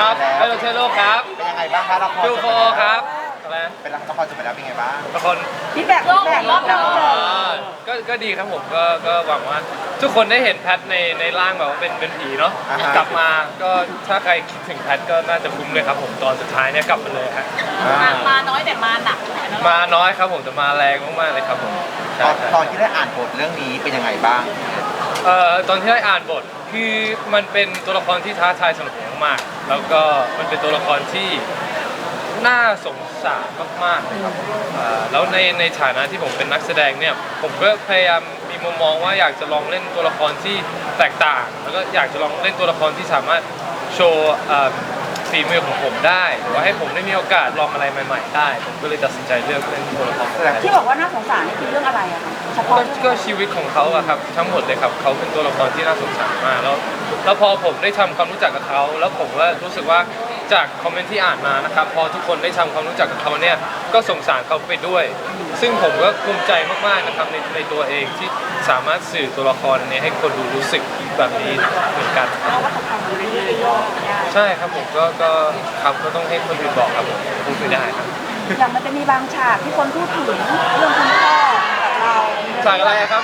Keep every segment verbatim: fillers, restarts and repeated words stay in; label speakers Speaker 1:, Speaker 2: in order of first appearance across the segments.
Speaker 1: ครับเฮโรเทโร่ครับ
Speaker 2: เป็นยังไงบ้างคะละคร
Speaker 1: ดูโฟครับอะไรนะ
Speaker 2: เป็นละครจบไปแล้วเป็นไงบ้าง
Speaker 1: ละคร
Speaker 3: ฟีดแบ็กฟีดแบ็กรอบเรา
Speaker 1: ก็ก็ดีครับผมก็ก็หวังว่าทุกคนได้เห็นแพทในในร่างแบบว่าเป็นเป็นผีเนาะกลับมาก็ถ้าใครคิดถึงแพทก็น่าจะคุ้มเลยครับผมตอนสุดท้ายเนี่ยกลับมาเลยฮะ
Speaker 3: มามาน้อยแต่มาหนัก
Speaker 1: มาน้อยครับผมแต่มาแรงมากๆเลยครับผม
Speaker 2: ตอนตอนที่ได้อ่านบทเรื่องนี้เป็นยังไงบ้าง
Speaker 1: เอ่อตอนที่ได้อ่านบทคือมันเป็นตัวละครที่ท้าทายสำหรับผมมากแล้วก็มันเป็นตัวละครที่น่าสงสารมากๆเลยครับแล้วในในฐานะที่ผมเป็นนักแสดงเนี่ยผมก็พยายามมีมุมมองว่าอยากจะลองเล่นตัวละครที่แตกต่างแล้วก็อยากจะลองเล่นตัวละครที่สามารถโชว์ฝีมือของผมได้หรือว่าให้ผมได้มีโอกาสลองอะไรใหม่ๆได้ผมก็เลยตัดสินใจเลือกเล่นตัวละคร
Speaker 3: ที่บอกว่าน่าสงสารนี่คือเรื่องอะไรอะคะเฉพาะ
Speaker 1: ก็ชีวิตของเขาอะครับทั้งหมดเลยครับเขาเป็นตัวละครที่น่าสงสารมากแล้วแล้วพอผมได้ทำความรู้จักกับเขาแล้วผมก็รู้สึกว่าจากคอมเมนต์ที่อ่านมานะครับพอทุกคนได้ทำความรู้จักกับเขาเนี่ยก็สงสารเขาไปด้วยซึ่งผมก็ภูมิใจมากๆนะครับในในตัวเองที่สามารถสื่อตัวละครนี้ให้คนดูรู้สึกแบบนี้เหมือนกันใช่ครับผมก็ก็ครับก็ต้องให้คนอื่นบอกครับผมพูดไม่ได้ครับ
Speaker 3: อย่างมันจะมีบางฉากที่คนพูดถึงเรื่องคุณพ่อกับเรา
Speaker 1: ฉากอะไรครับ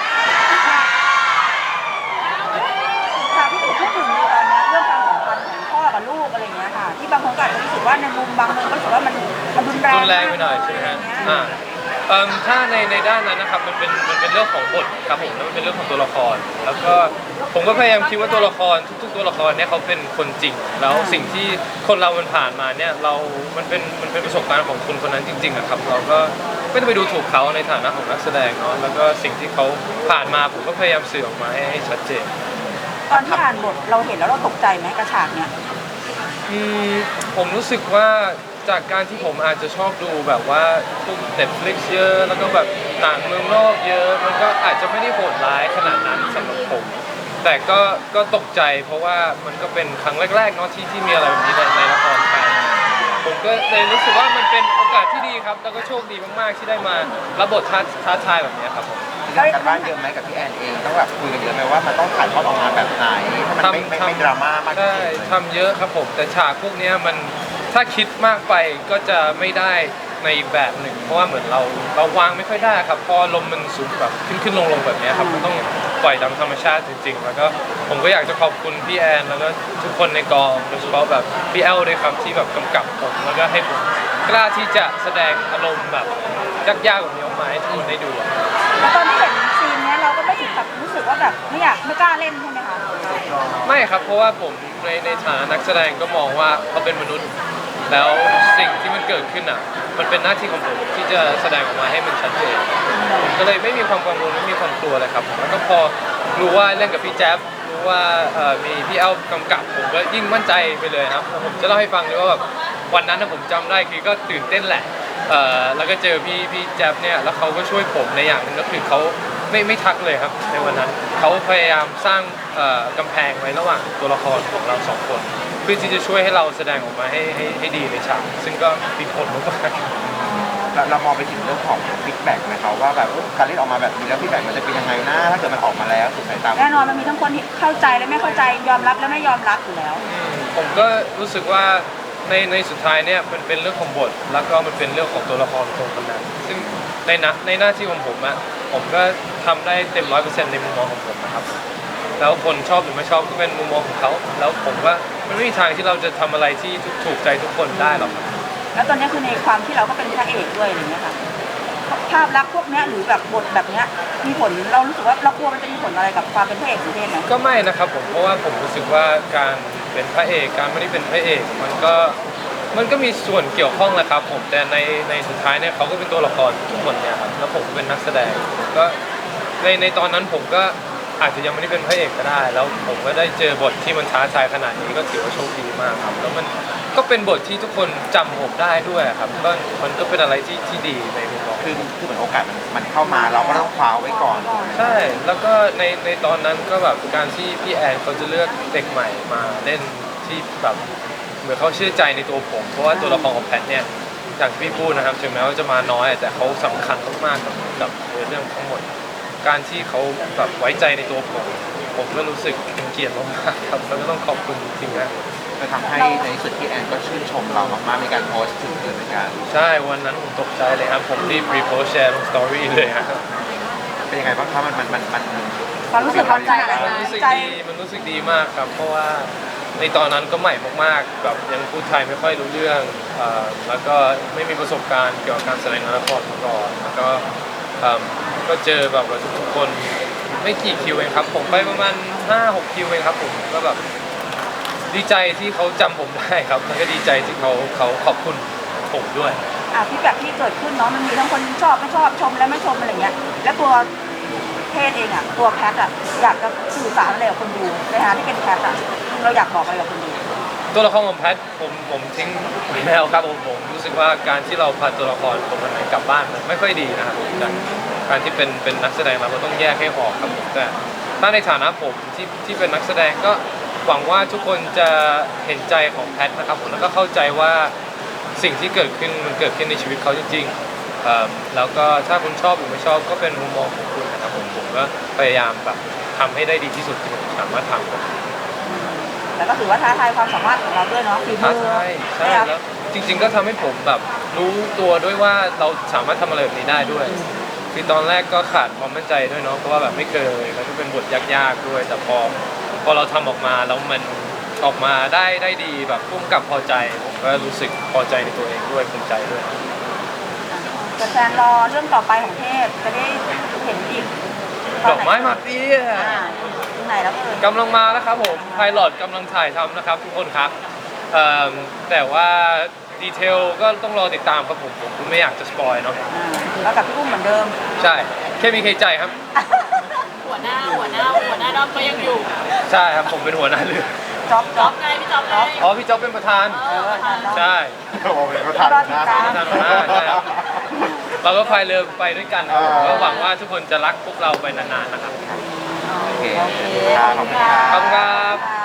Speaker 3: ฉากที่ถูกพูดถึงในตอนนี้เรื่องความสัมพันธ์ของพ่อกับลูกอะไรอย่างเงี้ยค่ะที่บางคนก็อาจจะรู้สึกว่าในมุมบางมุมก็รู้สึกว่ามันมันรุนแรง
Speaker 1: รุนแรงไปหน่อยใช่ไหมฮะอ่าถ้าในในด้านนั้นนะครับมันเป็นมันเป็นเรื่องของบทครับผมแล้วมันเป็นเรื่องของตัวละครแล้วก็ผมก็พยายามคิดว่าตัวละครทุกๆตัวละครเนี่ยเขาเป็นคนจริงแล้วสิ่งที่คนเรามันผ่านมาเนี่ยเรา มันเป็นมันเป็นประสบการณ์ของคนคนนั้นจริงๆอะครับเราก็ไม่ต้องไปดูถูกเขาในฐานะของนักแสดงเนาะแล้วก็สิ่งที่เขาผ่านมาผมก็พยายามสื่อออกมาให้ชัดเจน
Speaker 3: ตอนที่อ่านบทเราเห็นแล้วเราตกใจไหมกระฉากเนี้ย
Speaker 1: อืมผมรู้สึกว่าจากการที่ผมอาจจะชอบดูแบบว่าพวก Netflix เยอะแล้วก็แบบหนังเมืองนอกเยอะมันก็อาจจะไม่ได้โหดร้ายขนาดนั้นสำหรับผมแต่ก็ก็ตกใจเพราะว่ามันก็เป็นครั้งแรกๆเนาะที่ที่มีอะไรแบบนี้ในในละครไทยผมก็เลยรู้สึกว่ามันเป็นโอกาสที่ดีครับแล้วก็โชคดีมากๆที่ได้มารับบทท้าท้าทายแบบนี้ครับผม
Speaker 2: ทำการบ้านเยอะไหมกับพี่แอนเองต้องแบบคุยกันเยอะไหมว่ามันต้องถ่ายทอดออกมาแบบไหนให้มันไม่ไม่ไม่ดราม่ามาก
Speaker 1: ใช่ทำเยอะครับผมแต่ฉากพวกนี้มันถ้าคิดมากไปก็จะไม่ได้ในแบบหนึ่งเพราะว่าเหมือนเราเราวางไม่ค่อยได้ครับพอลมมันสูงแบบขึ้นขึ้นลงลงแบบนี้ครับมันต้องปล่อยตามธรรมชาติจริงๆแล้วก็ผมก็อยากจะขอบคุณพี่แอนแล้วก็ทุกคนในกองโดยเฉพาะแบบพี่แอลด้วยครับที่แบบกำกับผมแล้วก็ให้ผมกล้าที่จะแสดงอารมณ์แบบยากๆแบบนี้ออกมาให้ทุกคนได้ดู
Speaker 3: แล้วตอนที่เห็นซีนนี้เราก็ไม่ถึงกับรู้สึกว่าแบบไม่อยากไม่กล้าเล่นใช่ไหมคะ
Speaker 1: ไม่ครับเพราะว่าผมในในฐานะนักแสดงก็มองว่าเขาเป็นมนุษย์แล้วสิ่งที่มันเกิดขึ้นอ่ะมันเป็นหน้าที่ของผมที่จะแสดงออกมาให้มันชัดเจนผมก็เลยไม่มีความกังวลไม่มีความกลัวเลยครับแล้วก็พอรู้ว่าเล่นกับพี่แจ๊บรู้ว่ามีพี่เอ้ากำกับผมก็ยิ่งมั่นใจไปเลยครับผมจะเล่าให้ฟังเลยว่าแบบวันนั้นผมจำได้คือก็ตื่นเต้นแหละแล้วก็เจอพี่พี่แจ๊บเนี่ยแล้วเขาก็ช่วยผมในอย่างนึงก็คือเขาไม่ไม่ทักเลยครับในวันนั้นเขาพยายามสร้างกำแพงไว้ระหว่างตัวละครของเราสองคนเพื่อที่จะช่วยให้เราแสดงออกมาให้ให้ให้ดีในฉากซึ่งก็มีผลมาก
Speaker 2: ๆเรามองไปถึงเรื่องของฟีดแบ็กไหมครับว่าแบบการเล่นออกมาแบบนี้แล้วฟีดแบ็กมันจะเป็นยังไงนะถ้าเกิดมันออกมาแล้วถูกสายตา
Speaker 3: แน่นอนมันมีทั้งคนที่เข้าใจและไม่เข้าใจยอมรับและไม่ยอมรับอยู่แล้ว
Speaker 1: ผมก็รู้สึกว่าในในสุดท้ายเนี่ยมันเป็นเรื่องของบทแล้วก็มันเป็นเรื่องของตัวละครตรงนั้นซึ่งในนะในหน้าที่ของผมอะผมก็ทำได้เต็มร้อยเปอร์เซ็นต์ในมุมมองของผมนะครับแล้วคนชอบหรือไม่ชอบก็เป็นมุมมองของเขาแล้วผมว่ามันไม่มีทางที่เราจะทำอะไรที่ถูกใจทุกคนได้หรอก
Speaker 3: แล้วตอนนี้คือในความที่เราก็เป็นพระเอกด้วยอะไรเงี้ยค่ะภาพลักษณ์พวกนี้หรือแบบบทแบบนี้มีผลเรารู้สึกว่าเรากลัวมันจะมีผลอะไรกับความเป็นพระเอกสุเทพไหม
Speaker 1: ก็ไม่นะครับผมเพราะว่าผมรู้สึกว่าการเป็นพระเอกการไม่ได้เป็นพระเอกมันก็มันก็มีส่วนเกี่ยวข้องแหละครับผมแต่ในในสุดท้ายเนี่ยเขาก็เป็นตัวละครทุกคนเนี่ยครับแล้วผมเป็นนักแสดงก็ในในตอนนั้นผมก็อาจจะยังไม่ได้เป็นพระเอกก็ได้แล้วผมก็ได้เจอบทที่มันท้าทายขนาดนี้ก็ถือว่าโชคดีมากครับแล้วมันก็เป็นบทที่ทุกคนจำผมได้ด้วยครับก็มันก็เป็นอะไรที่ที่ดีในมุมมอง
Speaker 2: คือคือเหมือนโอกาสมันมันเข้ามาเราก็ต้องคว้าไว้ก่อน
Speaker 1: ใช่แล้วก็ในในตอนนั้นก็แบบการที่พี่แอนเขาจะเลือกเด็กใหม่มาเล่นที่แบบเหมือนเขาเชื่อใจในตัวผมเพราะว่าตัวละครของแพทเนี่ยอย่างที่พี่พูดนะครับถึงแม้ว่าจะมาน้อยแต่เขาสำคัญมากๆกับกับเรื่องทั้งหมดการที่เขาแบบไว้ใจในตัวผมผมก็รู้สึกเป็นเกียรติมากๆครับแล้วก็ต้องขอบคุณจริงๆนะ
Speaker 2: จะทำให้ในที่สุดที่แอนก็ชื่นชมเรามากๆในการโพสต์ถึงเธอเหมือนกัน
Speaker 1: ใช่วันนั้นผมตกใจเลยครับผมรีบรีโพสต์แชร์ลงสตอรี่เลยครับ
Speaker 2: เป็นยังไงบ้างคะมันมันมันมัน
Speaker 3: ความรู้สึกความใจอะไร
Speaker 1: มันรู้สึก
Speaker 3: ใจ
Speaker 1: ดีมันรู้สึกดีมากครับเพราะว่าในตอนนั้นก็ใหม่มากๆแบบยังพูดไทยไม่ค่อยรู้เรื่องเอ่อแล้วก็ไม่มีประสบการณ์เกี่ยวกับการแสดงละครมาก่อนแล้วก็เอิ่มก็เจอแบบว่าทุกๆคนไม่กี่คิวเองครับผมไปประมาณห้าหกคิวเองครับผมก็แบบดีใจที่เขาจำผมได้ครับแล้วก็ดีใจที่เขาเขาขอบคุณผมด้วย
Speaker 3: อ่ะที่แบบที่เกิดขึ้นเนาะมันมีทั้งคนชอบไม่ชอบชมและไม่ชมอะไรเงี้ยแล้วตัวเพศเองอ่ะตัวแพทอ่ะอยากจะสื่อสารอะไรกับคนดูในฐานะที่เป็นแพทอ่ะเราอยากบอกอะไรกับคนดู
Speaker 1: ตัวละครของแพทผมผมทิ้งไปแล้วครับผมผมรู้สึกว่าการที่เราพาตัวละครคนไหนกลับบ้านมันไม่ค่อยดีนะครับผมจากการที่เป็นเป็นนักแสดงเราก็ต้องแยกให้ออกครับผมแต่ถ้าในฐานะผมที่ที่เป็นนักแสดงก็หวังว่าทุกคนจะเห็นใจของแพทนะครับผมแล้วก็เข้าใจว่าสิ่งที่เกิดขึ้นมันเกิดขึ้นในชีวิตเขาจริงๆเอ่อแล้วก็ถ้าคุณชอบหรือไม่ชอบก็เป็นมุมมองของคุณนะครับผมผมก็พยายามแบบทำให้ได้ดีที่สุดที่ผมสามารถทำครับ
Speaker 3: แล้วก็ถือว่าท้าทายความสามารถของเราด้วยเนาะฝีมื
Speaker 1: ท้า
Speaker 3: อ
Speaker 1: ทายใช่แล้วจริง ๆ ก็ทำให้ผมแบบรู้ตัวด้วยว่าเราสามารถทำอะไรแบบนี้ได้ด้วยคือตอนแรกก็ขาดความมั่นใจด้วยเนาะเพราะว่าแบบไม่เคยแล้วก็เป็นบทยากๆด้วยแต่พอพอเราทำออกมาแล้วมันออกมาได้ได้ดีแบบพุ่มกับพอใจผมก็รู้สึกพอใจในตัวเองด้วยภูมิใจด้วย
Speaker 3: แต่แฟนรอเรื่องต่อไปของเทพจะได้เห็นอีก
Speaker 1: ดอกไม้มาเฟีย
Speaker 3: อ่าตรงไหนแล้วเอ่ย
Speaker 1: กำลังมาแล้วครับผมไพลอตกำลังถ่ายทำนะครับทุกคนครับเอิ่มแต่ว่าดีเทลก็ต้องรอติดตามครับผมผมไม่อยากจะสปอยเนาะ
Speaker 3: อ่าแล้วกับพี่อุ้มเหมือนเดิม
Speaker 1: ใช่แค่มีใครใจครับ
Speaker 4: หัวหน้าหัวหน้าหัวหน้าดอมก็ยังอยู่
Speaker 1: ใช่ครับผมเป็นหัวหน้าเรือ
Speaker 3: จ๊อบ
Speaker 4: จ๊
Speaker 3: จ๊
Speaker 4: อ
Speaker 3: อ
Speaker 4: บบ ไงพี่จ๊อบไง
Speaker 1: อ๋อพี่จ๊อบเป็นประธาน
Speaker 4: เออประธาน
Speaker 1: ใช่
Speaker 2: โอ้โหเป็นประธาน
Speaker 3: รอติดตาม
Speaker 1: ประธานหัวหน้าใช่ครับเราก็พายเรือไปด้วยกันครับผม
Speaker 2: อ่า
Speaker 1: ก็หวังว่าทุกคนจะรักพวกเราไปนานๆนะครับ
Speaker 2: โอเค
Speaker 3: โอเคขอบคุณค่ะ
Speaker 1: ขอบคุณครับ
Speaker 3: ค่ะ